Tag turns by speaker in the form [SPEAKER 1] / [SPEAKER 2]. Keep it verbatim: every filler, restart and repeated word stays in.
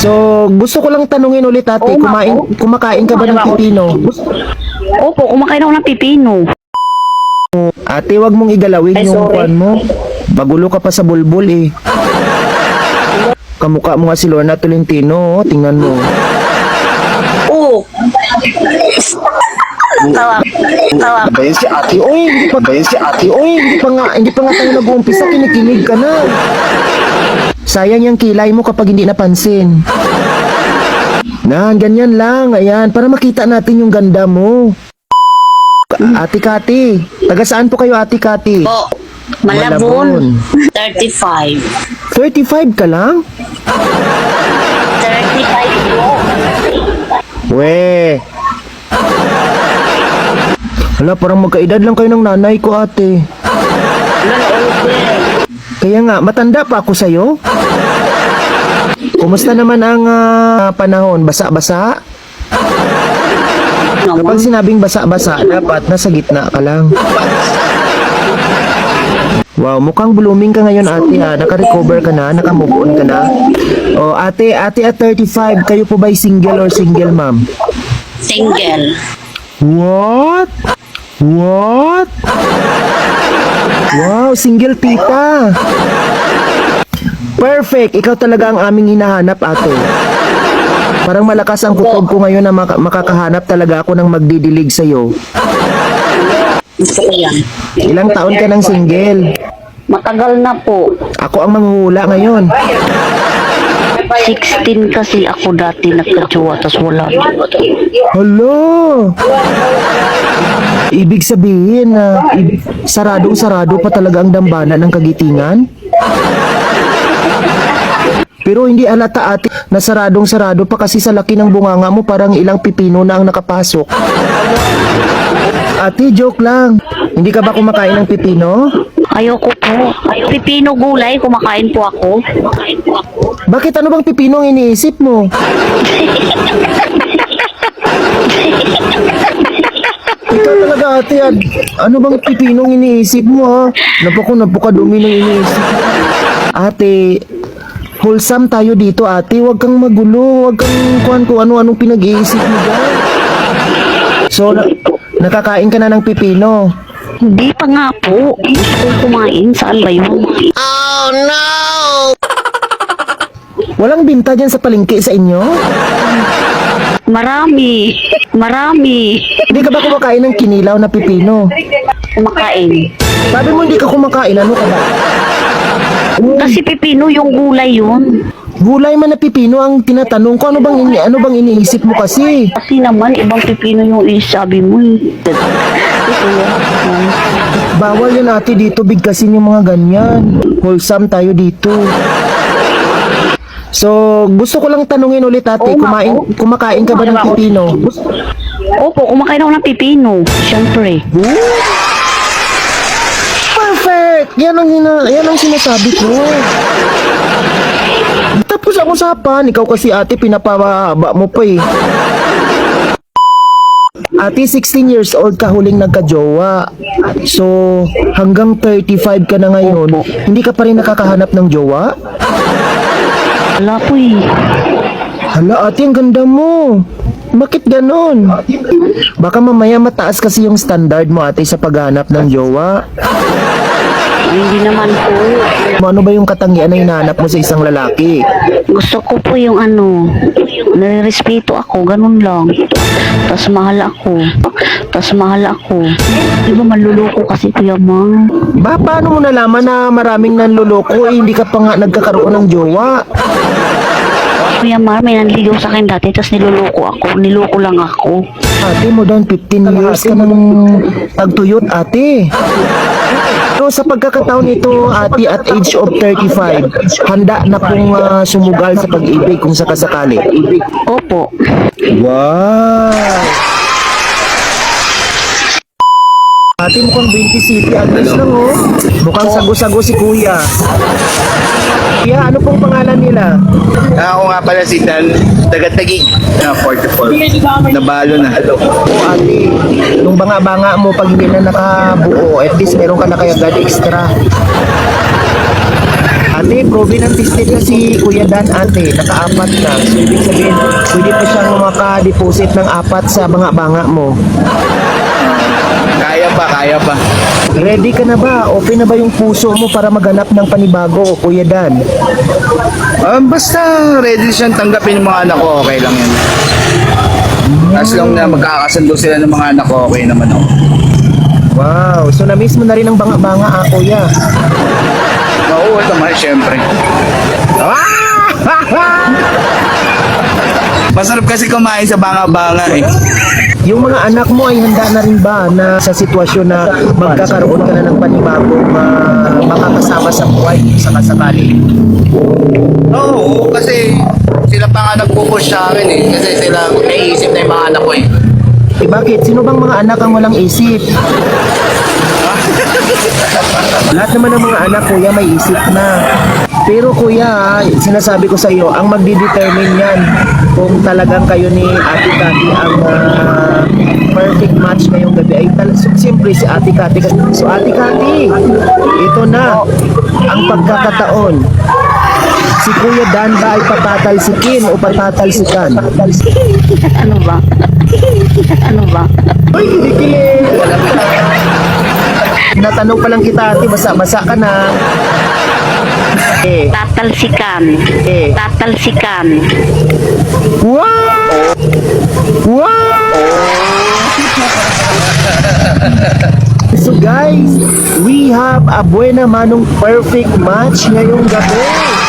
[SPEAKER 1] So, gusto ko lang tanungin ulit ate,
[SPEAKER 2] Oo nga
[SPEAKER 1] kumain,
[SPEAKER 2] po.
[SPEAKER 1] kumakain ka ba ng pipino?
[SPEAKER 2] Opo, kumakain ako ng pipino.
[SPEAKER 1] Ate, wag mong igalawin
[SPEAKER 2] Ay,
[SPEAKER 1] yung
[SPEAKER 2] sorry.
[SPEAKER 1] kwan mo. Magulo ka pa sa bulbul eh. Kamukha mo nga si Lorna Tolentino, oh. Tingnan mo.
[SPEAKER 2] Oo. Tawa. Tawa.
[SPEAKER 1] Ba yan si ate, oy, hindi pa ba yan si ate, oy, hindi pa nga, hindi pa nga tayo nag-uumpisa, kinikilig ka na. Sayang yung kilay mo kapag hindi napansin. Nan, ganyan lang, ayan, para makita natin yung ganda mo. Ka- Ate Kati, taga saan po kayo Ate Kati?
[SPEAKER 2] Po.
[SPEAKER 1] Malabon.
[SPEAKER 2] Malabon. thirty-five.
[SPEAKER 1] thirty-five ka lang?
[SPEAKER 2] thirty-five po.
[SPEAKER 1] We. Hala, parang magkaedad lang kayo ng nanay ko ate. Kaya nga, matanda pa ako sa'yo. Kumusta naman ang ah, panahon? Basa-basa? Kapag sinabing basa-basa, dapat nasa gitna ka lang. Wow, mukhang blooming ka ngayon ate ha. Naka-recover ka na, naka-move on ka na. O ate, ate at thirty-five, kayo po ba'y single or single ma'am?
[SPEAKER 2] Single.
[SPEAKER 1] What? What? Wow, single tita. Perfect, ikaw talaga ang aming hinahanap ate. Parang malakas ang kutob ko ngayon na maka- makakahanap talaga ako ng magdidilig sa'yo.
[SPEAKER 2] Gusto ko yan.
[SPEAKER 1] Ilang taon ka ng single?
[SPEAKER 2] Matagal na po.
[SPEAKER 1] Ako ang manghuhula ngayon.
[SPEAKER 2] sixteen kasi ako dati nagka-jowa, tas wala.
[SPEAKER 1] Hello! Ibig sabihin na saradong-sarado pa talaga ang dambana ng kagitingan? Pero hindi alata ate na saradong-sarado pa kasi sa laki ng bunganga mo parang ilang pipino na ang nakapasok. Ate, joke lang. Hindi ka ba kumakain ng pipino?
[SPEAKER 2] Ayoko po. Pipino gulay, kumakain po ako. Kumakain po ako.
[SPEAKER 1] Bakit ano bang pipino ang iniisip mo? Ikaw talaga ate, ad, ano bang pipinong iniisip mo ha? Napako, napakadumi ng iniisip mo. Ate, wholesome tayo dito ate, huwag kang magulo, huwag kang kuhan kung ano-anong pinag-iisip mo dyan. So, na- nakakain ka na ng pipino.
[SPEAKER 2] Hindi pa nga po. Gusto kong kumain. Saan ba yun?
[SPEAKER 1] Walang binta dyan sa palengke sa inyo?
[SPEAKER 2] Marami. Marami.
[SPEAKER 1] Hindi ka ba kumakain ng kinilaw na pipino?
[SPEAKER 2] Kumakain.
[SPEAKER 1] Sabi mo hindi ka kumakain, ano ka ba?
[SPEAKER 2] Kasi pipino yung gulay yun.
[SPEAKER 1] Gulay man na pipino ang tinatanong ko, ano bang, ini ano bang iniisip mo kasi?
[SPEAKER 2] Kasi naman, ibang pipino yung isabi mo eh. Ito yan.
[SPEAKER 1] Bawal yan ate dito, bigkasin yung mga ganyan. Wholesome tayo dito. So, gusto ko lang tanungin ulit ate,
[SPEAKER 2] Oo nga
[SPEAKER 1] kumain,
[SPEAKER 2] po.
[SPEAKER 1] kumakain ka ba ng pipino?
[SPEAKER 2] Opo, kumakain ako ng pipino. Siyempre.
[SPEAKER 1] Perfect! Yan ang, hina, yan ang sinasabi ko. Tapos ang usapan, ikaw kasi ate, pinapababa mo pa eh. Ate, sixteen years old ka huling nagka-jowa. So, hanggang thirty-five ka na ngayon,
[SPEAKER 2] Opo.
[SPEAKER 1] hindi ka pa rin nakakahanap ng jowa?
[SPEAKER 2] Wala po eh.
[SPEAKER 1] Hala ate, ang ganda mo. Bakit ganon? Baka mamaya mataas kasi yung standard mo ate sa paghanap ng jowa.
[SPEAKER 2] Ay, hindi naman po.
[SPEAKER 1] Ano ba yung katangian na hinahanap mo sa isang lalaki?
[SPEAKER 2] Gusto ko po yung ano, nare-respeto ako, ganun lang. Tas mahal ako. Tas mahal ako. Di ba manluloko kasi Kuya Mang?
[SPEAKER 1] Ba, paano mo nalaman na maraming nanloloko eh, hindi ka pa nga nagkakaroon ng jowa?
[SPEAKER 2] Kuya Mar, may nanligaw sa akin dati, tas niloloko ako. Niloko lang ako.
[SPEAKER 1] Ate, more than fifteen years ka nang tagtuyot ate. So sa pagkakataon nito ate at age of thirty-five, handa na pong ah, sumugal sa pag-ibig kung sakasakali.
[SPEAKER 2] Opo.
[SPEAKER 1] Wow! Ate, mukhang twenty city address lang oh. Mukhang sago-sago si kuya. Kuya, ano pong pangalan nila?
[SPEAKER 3] Ah, ako nga pala si Dan, taga-Tagig, na forty-four. Nabalo na.
[SPEAKER 1] O ate, nung banga-banga mo pag hindi na nakabuo, at least meron ka na kaya agad extra. Ate, proven and tested na si Kuya Dan, ate. Nakaapat na. So, ibig sabihin, pwede pa siyang maka-deposit ng apat sa banga-banga mo.
[SPEAKER 3] Kaya pa, kaya pa.
[SPEAKER 1] Ready ka na ba? Open na ba yung puso mo para maganap ng panibago, Kuya Dan?
[SPEAKER 3] Um, basta ready siyang tanggapin yung mga anak ko, okay lang yan. As long na magkakasundo sila ng mga anak ko, okay naman ako.
[SPEAKER 1] Wow, so na-miss mo na rin ang banga-banga, ah, Kuya.
[SPEAKER 3] Oo, naman, syempre. Masarap kasi kumain sa banga-banga eh.
[SPEAKER 1] Yung mga anak mo ay handa na rin ba na sa sitwasyon na magkakaroon ka na ng panibagong uh, makakasama sa buhay sa kasakali?
[SPEAKER 3] Oo, kasi sila pa nga nagpupush sa akin eh. Kasi sila naiisip na yung mga anak ko eh.
[SPEAKER 1] Eh bakit? Sino bang mga anak ang walang isip? Lahat naman ng mga anak, kuya, may isip na. Pero kuya, sinasabi ko sa iyo, ang magdidetermine yan kung talagang kayo ni Ate Cathy ang ah, perfect match ngayong gabi ay tal- so, siyempre si Ate Cathy. So Ate Cathy, ito na ang pagkakataon. Si Kuya Dan ba ay patatalsikin o patatalsikan?
[SPEAKER 2] Ano ba? Ano ba?
[SPEAKER 1] Uy, kinikilig! Natanong pa lang kita, ate, basa-basa ka na. Eh,
[SPEAKER 2] Tatalsikan.
[SPEAKER 1] eh.
[SPEAKER 2] Tatalsikan.
[SPEAKER 1] Wow! Wow! So guys, we have a buena manong perfect match ngayong gabi.